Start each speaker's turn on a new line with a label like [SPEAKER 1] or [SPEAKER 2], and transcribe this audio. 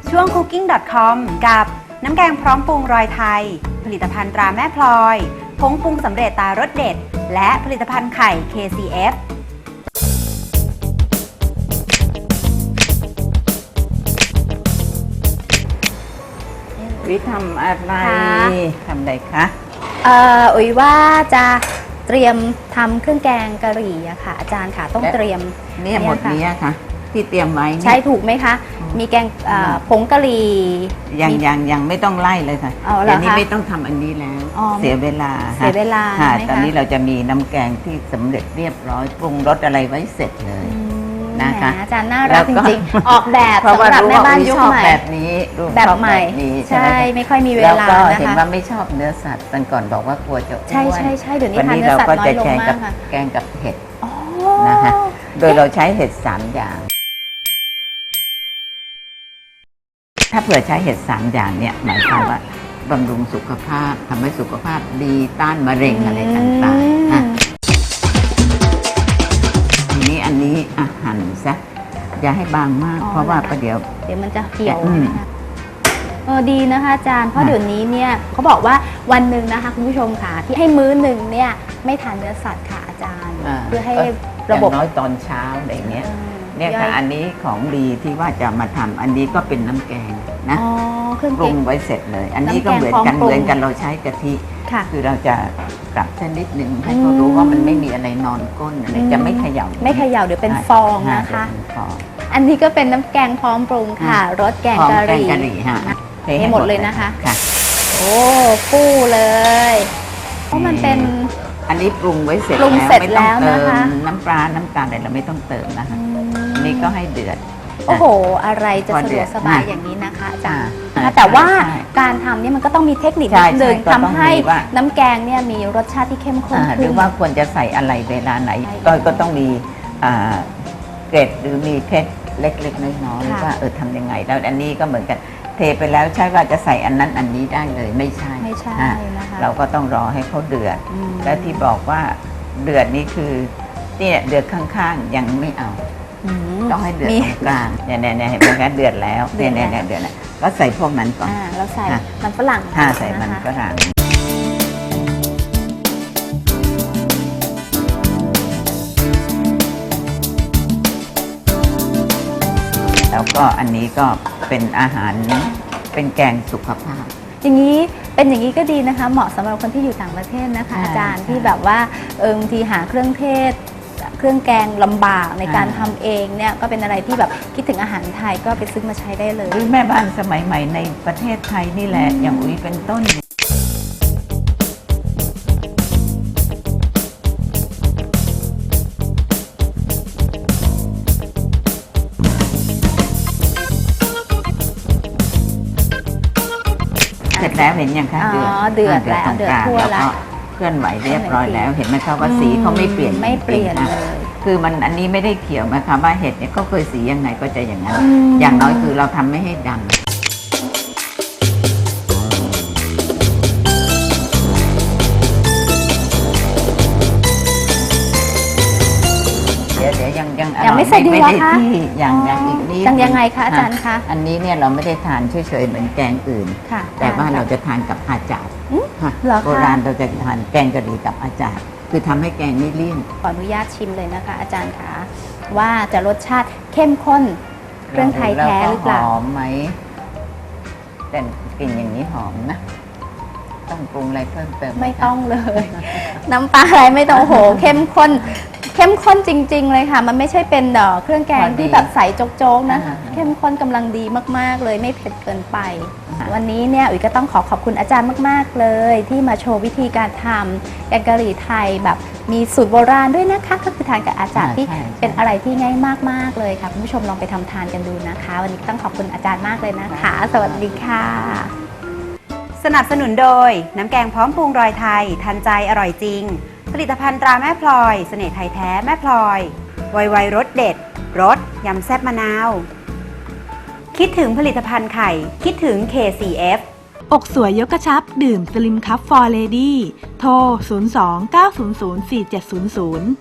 [SPEAKER 1] ช่วง cooking.com กับน้ำแกงพร้อมปรุงรอยไทยผลิตภัณฑ์ตราแม่พลอยผงปรุงสำเร็จตารสเด็ดและผลิตภัณฑ์ไข่ KCF
[SPEAKER 2] วิทำอะไรทำอะไรคะ
[SPEAKER 3] อุ๋ยว่าจะเตรียมทำเครื่องแกงกะหรี่อะค่ะอาจารย์ค่ะต้องเตรียม
[SPEAKER 2] เนี่ยหมดนี้ค่ะที่เตรียมไว้
[SPEAKER 3] ใช่ถูกไหมคะมีแกงผงกะหรี่
[SPEAKER 2] ยังไม่ต้องไล่เลยค่ะอันนี้ไม่ต้องทำอันนี้แล้วเสียเวลาตอนนี้เราจะมีน้ำแกงที่สำเร็จเรียบร้อยปรุงรสอะไรไว้เสร็จเลยนะคะ
[SPEAKER 3] อาจารย์น่ารักจริงๆออกแบบสำหรับแม่บ้านยุคใหม่
[SPEAKER 2] แบบนี้
[SPEAKER 3] แบบใหม่ใช่ไม่ค่อยมีเวลา
[SPEAKER 2] แล้วก็เห็นว่าไม่ชอบเนื้อสัตว์ตอนก่อนบอกว่ากลัวจะอ้วน
[SPEAKER 3] ใช่เดี๋ยวนี้ทานเนื้อสัตว์น้อยลงมากค่ะ
[SPEAKER 2] แกงกับเห็ดนะคะโดยเราใช้เห็ด3อย่างถ้าเผื่อใช้เห็ด3อย่างเนี่ยหมายความว่าบำรุงสุขภาพทำให้สุขภาพดีต้านมะเร็งอะไรต่างๆทีนี้อันนี้หั่นซะอย่าให้บางมากเพราะว่าประเดี๋ยว
[SPEAKER 3] มันจะเหี่ยวดีนะคะอาจารย์เพราะเดี๋ยวนี้เนี่ยเขาบอกว่าวันหนึ่งนะคะคุณผู้ชมค่ะที่ให้มื้อหนึ่งเนี่ยไม่ทานเนื้อสัตว์ค่ะอาจารย์เพื่อให้ระบบ
[SPEAKER 2] น้อยตอนเช้าอะไรเงี้ยเนี่ยค่ะอันนี้ของดีที่ว่าจะมาทำอันนี้ก็เป็นน้ำแกงนะปรุงไว้เสร็จเลยอันนี้ก็เหมือนกันเราใช้กะทิคือเราจะปรับชนิดหนึ่งให้เขารู้ว่ามันไม่มีอะไรนอนก้นอะไรจะไม่เขย่า
[SPEAKER 3] เดี๋ยวเป็นฟองนะคะอันนี้ก็เป็นน้ำแกงพร้อมปรุงค่ะรสแกงกะหรี่เทหมดเลยนะคะโอ้ฟู่เลยเพราะมันเป็น
[SPEAKER 2] อันนี้ปรุงไว้เสร็จ
[SPEAKER 3] แล้วไม่ต้องเติม
[SPEAKER 2] น้ำปลาน้ำตาลอะไรเราไม่ต้องเติมนะคะนี่ก็ให้เดือด
[SPEAKER 3] โอ้โหอะไรจะสะดวกสบายอย่างนี้นะคะอาจารย์แต่ว่าการทำนี่มันก็ต้องมีเทคนิคนิดนึงทำให้น้ำแกงเนี่ยมีรสชาติที่เข้มข้น
[SPEAKER 2] หรือว่าควรจะใส่อะไรเวลาไหนก็ต้องมีเกร็ดหรือมีเคล็ดเล็กๆน้อยๆว่าทำยังไงแล้วอันนี้ก็เหมือนกันเทไปแล้วใช่ว่าจะใส่อันนั้นอันนี้ได้เลยไม่ใช่นะคะเราก็ต้องรอให้เขาเดือดและที่บอกว่าเดือดนี่คือเนี่ยเดือดข้างๆยังไม่เอาต้องให้เดือดตรงกลางเนี่ยเห็นไหมคะเดือดแล้วเนี่ยเดือดก็ใส่พวกนั้นก่อน
[SPEAKER 3] เราใส่มันฝรั่ง
[SPEAKER 2] ใส่มันฝรั่งแล้วก็อันนี้ก็เป็นอาหารเป็นแกงสุขภาพ
[SPEAKER 3] อย่างนี้เป็นอย่างนี้ก็ดีนะคะเหมาะสำหรับคนที่อยู่ต่างประเทศนะคะอาจารย์ที่แบบว่าบางทีหาเครื่องเทศเครื่องแกงลำบากในการทำเองเนี่ยก็เป็นอะไรที่แบบคิดถึงอาหารไทยก็ไปซื้อมาใช้ได้เลย
[SPEAKER 2] แม่บ้านสมัยใหม่ในประเทศไทยนี่แหละอย่างอุ้ยเป็นต้นเสร็จแล้วเห็นยังคะ
[SPEAKER 3] เดือดแล้วเดือดทั่วแล้ว
[SPEAKER 2] เคลื่อนไหวเรียบร้อยแล้วเห็นไหมคะว่าสีเขาไม่เปลี่ยน
[SPEAKER 3] เลย
[SPEAKER 2] คือมันอันนี้ไม่ได้เขียวนะคะว่าเห็ดเนี่ยก็เคยสียังไงก็จะอย่างนั้นอย่างน้อยคือเราทำไม่ให้ดำเดี๋ยว
[SPEAKER 3] ยังไม่ใส่ดีหรอคะ
[SPEAKER 2] อย่างอีกนี้
[SPEAKER 3] ยังไงคะอาจารย์คะ
[SPEAKER 2] อันนี้เนี่ยเราไม่ได้ทานเฉยๆเหมือนแกงอื่นแต่ว่าเราจะทานกับอาจารย์โบราณเราจะทานแกงกะหรี่กับอาจารย์คือทำให้แกงไม่เลี่ยน
[SPEAKER 3] ขออนุญาตชิมเลยนะคะอาจารย์คะว่าจะรสชาติเข้มข้นเครื่องไทยแท้หรือเปล่า
[SPEAKER 2] หอมไหมแต่กลิ่นอย่างนี้หอมนะต้องปรุงอะไรเพิ่มเติม
[SPEAKER 3] ไม่ต้องเลย น้ำปลาอะไรไม่ต้องโหเข้มข้นจริงๆเลยค่ะมันไม่ใช่เป็นเครื่องแกงที่แบบใส่โจ๊กๆนะเข้มข้นกำลังดีมากๆเลยไม่เผ็ดเกินไปวันนี้เนี่ยอุ๋ยก็ต้องขอบคุณอาจารย์มากๆเลยที่มาโชว์วิธีการทำแกงกะหรี่ไทยแบบมีสูตรโบราณด้วยนะคะก็คือทานกับอาจารย์ที่เป็นอะไรที่ง่ายมากๆเลยค่ะคุณผู้ชมลองไปทำทานกันดูนะคะวันนี้ต้องขอบคุณอาจารย์มากเลยนะคะสวัสดีค่ะ
[SPEAKER 1] สนับสนุนโดยน้ำแกงพร้อมปรุงรอยไทยทันใจอร่อยจริงผลิตภัณฑ์ตราแม่พลอยเสน่ห์ไทยแท้แม่พลอยไวรสเด็ดรสยำแซ่บมะนาวคิดถึงผลิตภัณฑ์ไข่คิดถึง KCF
[SPEAKER 4] อกสวยยกกระชับดื่มสลิมคัพฟอร์เลดี้โทร 02 900 4700